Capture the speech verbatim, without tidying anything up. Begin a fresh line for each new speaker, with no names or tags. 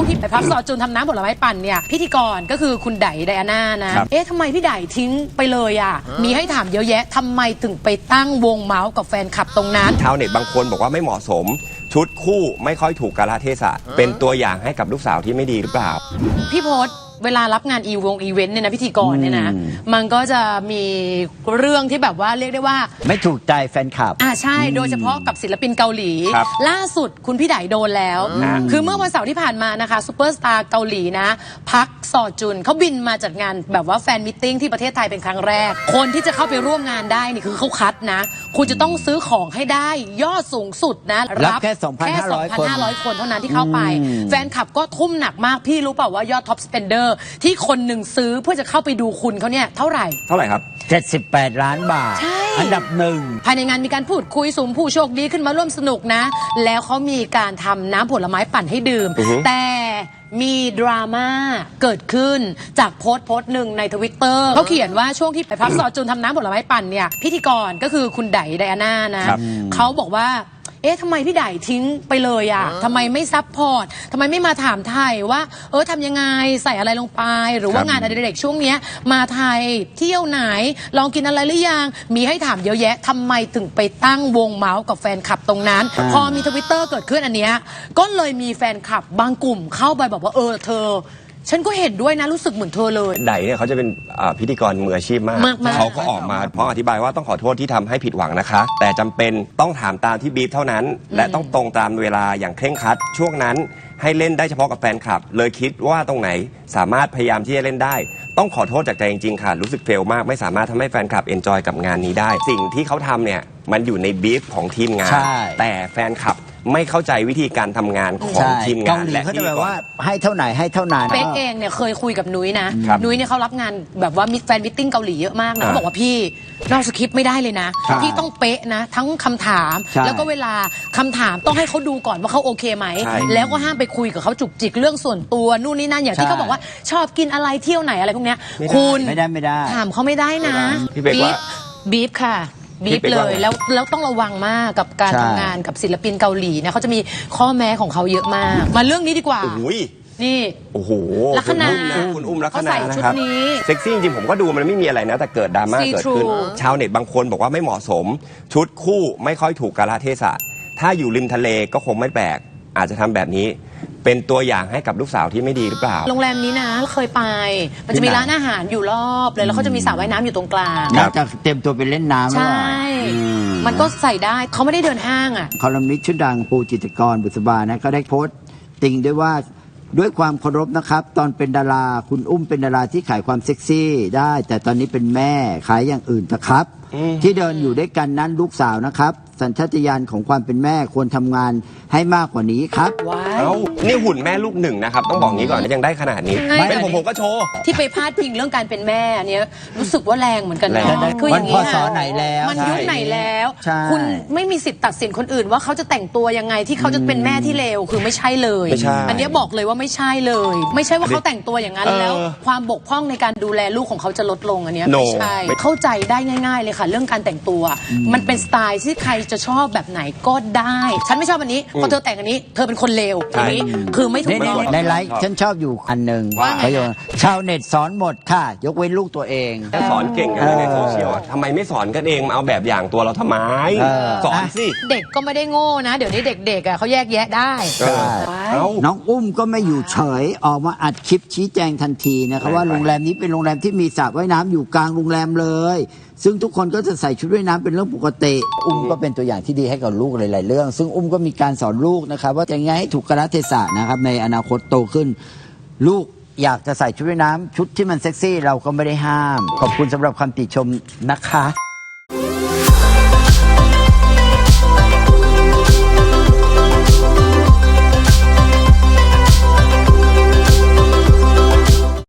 ที่ไปพักซอจุนทำน้ำผลไม้ปั่นเนี่ยพิธีกรก็คือคุณไดไดอาน่านะเอ๊ะทำไมพี่ไดทิ้งไปเลยอ่ะมีให้ถามเยอะแยะทำไมถึงไปตั้งวงเมาส์กับแฟนคลับตรงนั้น
ชาวเน็ตบางคนบอกว่าไม่เหมาะสมชุดคู่ไม่ค่อยถูกกาลเทศะเป็นตัวอย่างให้กับลูกสาวที่ไม่ดีหรือเปล่า
พี่พศเวลารับงานอีวงอีเวนต์เนี่ยนะพิธีกรเนี่ยนะมันก็จะมีเรื่องที่แบบว่าเรียกได้ว่า
ไม่ถูกใจแฟนคลับ
อ่าใช่โดยเฉพาะกับศิลปินเกาหลีล่าสุดคุณพี่ไดโดนแล้วคือเมื่อวันเสาร์ที่ผ่านมานะคะซูเปอร์สตาร์เกาหลีนะพักซอจุนเขาบินมาจัดงานแบบว่าแฟนมิทติ้งที่ประเทศไทยเป็นครั้งแรกคนที่จะเข้าไปร่วมงานได้นี่คือเขาคัดนะคุณจะต้องซื้อของให้ได้ยอดสูงสุดนะ
รับแค่ สองพันห้าร้อย คน
คนเท่านั้นที่เข้าไปแฟนคลับก็ทุ่มหนักมากพี่รู้เปล่าว่ายอดท็อปสเปนเดอร์ที่คนหนึ่งซื้อเพื่อจะเข้าไปดูคุณเขาเนี่ยเท่าไหร่
เท่าไหร่ครับ
เจ็ดสิบแปดล้านบาทอันดับหนึ่ง
ภายในงานมีการพูดคุยสุ่มผู้โชคดีขึ้นมาร่วมสนุกนะแล้วเขามีการทำน้ำผลไม้ปั่นให้ดื่มแต่มีดราม่าเกิดขึ้นจากโพสต์โพสต์หนึ่งในทวิตเตอร์เขาเขียนว่าช่วงที่ไปพักซอจุนทำน้ำผลไม้ปั่นเนี่ยพิธีกรก็คือคุณไดไดอาน่านะเขาบอกว่าเอ๊ะทำไมพี่ไดทิ้งไปเลยอ่ะทำไมไม่ซัพพอร์ตทำไมไม่มาถามไทยว่าเออทำยังไงใส่อะไรลงไปหรือว่างานอดิเรกช่วงนี้มาไทยเที่ยวไหนลองกินอะไรหรือยังมีให้ถามเยอะแยะทำไมถึงไปตั้งวงเมาส์กับแฟนคลับตรงนั้นพอมีทวิตเตอร์เกิดขึ้นอันเนี้ยก็เลยมีแฟนคลับบางกลุ่มเข้าไปบอกว่าเออเธอฉันก็เห็นด้วยนะรู้สึกเหมือนเธอเลย
ไดเนี่ยเขาจะเป็นพิธีกรมืออาชีพมากเขาก็ออกมาพร้อมอธิบายว่าต้องขอโทษที่ทำให้ผิดหวังนะคะแต่จำเป็นต้องถามตามที่บีฟเท่านั้นและต้องตรงตามเวลาอย่างเคร่งครัดช่วงนั้นให้เล่นได้เฉพาะกับแฟนคลับเลยคิดว่าตรงไหนสามารถพยายามที่จะเล่นได้ต้องขอโทษจากใจจริงๆค่ะรู้สึกเฟลมากไม่สามารถทำให้แฟนคลับเอนจอยกับงานนี้ได้สิ่งที่เขาทำเนี่ยมันอยู่ในบีฟของทีมงานแต่แฟนคลับไม่เข้าใจวิธีการทำงานของทีมงาน
และเขาจะแบบว่าให้เท่าไหนให้เท่านั้น
เป๊กเองเนี่ยเคยคุยกับนุ้ยนะนุ้ยเนี่ยเขารับงานแบบว่ามิตแฟนมิทติ้งเกาหลีเยอะมากนะเขาบอกว่าพี่นอกสคริปต์ไม่ได้เลยนะพี่ต้องเป๊ะนะทั้งคำถามแล้วก็เวลาคำถามต้องให้เขาดูก่อนว่าเขาโอเคไหมแล้วก็ห้ามไปคุยกับเขาจุกจิกเรื่องส่วนตัวนู่นนี่นั่นอย่างที่เขาบอกว่าชอบกินอะไรเที่ยวไหนอะไรพวกเนี้ยคุณ
ไม่ได้ไม่ได้
ถามเขาไม่ได้นะบีฟบีฟค่ะบีบเลยแล้วแล้วต้องระวังมากกับการทำงานกับศิลปินเกาหลีนะเขาจะมีข้อแม้ของเขาเยอะมากมาเรื่องนี้ดีกว่านี่
โอ้โห
ลัคนา
คุณอุ้มลัคนานะครับเซ็กซี่จริงผมก็ดูมันไม่มีอะไรนะแต่เกิดดราม่าเกิดขึ้นชาวเน็ตบางคนบอกว่าไม่เหมาะสมชุดคู่ไม่ค่อยถูกกาลเทศะถ้าอยู่ริมทะเลก็คงไม่แปลกอาจจะทำแบบนี้เป็นตัวอย่างให้กับลูกสาวที่ไม่ดีหรือเปล่า
โรงแรมนี้นะเคยไปมันจะมีร้านอาหารอยู่รอบเลยแล้วเขาจะมีสระว่ายน้ำอยู่ตรงกลาง
จะเต็มตัวไปเล่นน้ำ
ใช่มันก็ใส่ได้เขาไม่ได้เดินห้างอ่ะ
คอลัมนิสต์ชื่อดังปูจิตรกรบุษบานะก็ได้โพสต์ติงด้วยว่าด้วยความเคารพนะครับตอนเป็นดาราคุณอุ้มเป็นดาราที่ขายความเซ็กซี่ได้แต่ตอนนี้เป็นแม่ขายอย่างอื่นนะครับที่เดินอยู่ด้วยกันนั้นลูกสาวนะครับสัญชาตญาณของความเป็นแม่ควรทำงานให้มากกว่านี้ครับ
ว้าว
นี่หุ่นแม่ลูกหนึ่งนะครับต้องบอกงี้ก่อนยังได้ขนาดนี้เป็นผมผมก็โชว์
ที่ไปพาดพิงเรื่องการเป็นแม่เนี้ยรู้สึกว่าแรงเหมือนกันนะ
คืออย่างนี้ค่ะ
ไหนแล้วมันยุคไหนแล้วคุณไม่มีสิทธิ์ตัดสินคนอื่นว่าเขาจะแต่งตัวยังไงที่เขาจะเป็นแม่ที่เลวคือไม่ใช่เลยอันนี้บอกเลยว่าไม่ใช่เลยไม่ใช่ว่าเขาแต่งตัวอย่างนั้นแล้วความบกพร่องในการดูแลลูกของเขาจะลดลงอันนี้ไม่ใช่เข้าใจได้ง่ายๆเลยค่ะเรื่องการแต่งตัวมันเป็นสไตล์ที่ใครจะชอบแบบไหนก็ได้ฉันไม่ชอบอันนี้พอเธอแต่งอันนี้เธอเป็นคนเลวอันนี้คือไม่ถูกต้อง
ในไลฟ์ฉันชอบอยู่อันหนึ่งประโยชน์ชาวเน็ตสอนหมดค่ะยกเว้นลูกตัวเอง
สอนเก่งกันในโซเชียลทำไมไม่สอนกันเองมาเอาแบบอย่างตัวเราทำไมสอนสิ
เด็กก็ไม่ได้โง่นะเดี๋ยวนี้เด็กๆอ่ะเขาแยกแยะได้
น้องอุ้มก็ไม่อยู่เฉยออกมาอัดคลิปชี้แจงทันทีนะครับว่าโรงแรมนี้เป็นโรงแรมที่มีสระว่ายน้ำอยู่กลางโรงแรมเลยซึ่งทุกคนก็จะใส่ชุดว่ายน้ำเป็นเรื่องปกติอุ้มก็เป็นตัวอย่างที่ดีให้กับลูกหลายๆเรื่องซึ่งอุ้มก็มีการสอนลูกนะครับว่าจะยังไงให้ถูกกาลเทศะนะครับในอนาคตโตขึ้นลูกอยากจะใส่ชุดว่ายน้ำชุดที่มันเซ็กซี่เราก็ไม่ได้ห้ามขอบคุณสำหรับคำติชมนะคะ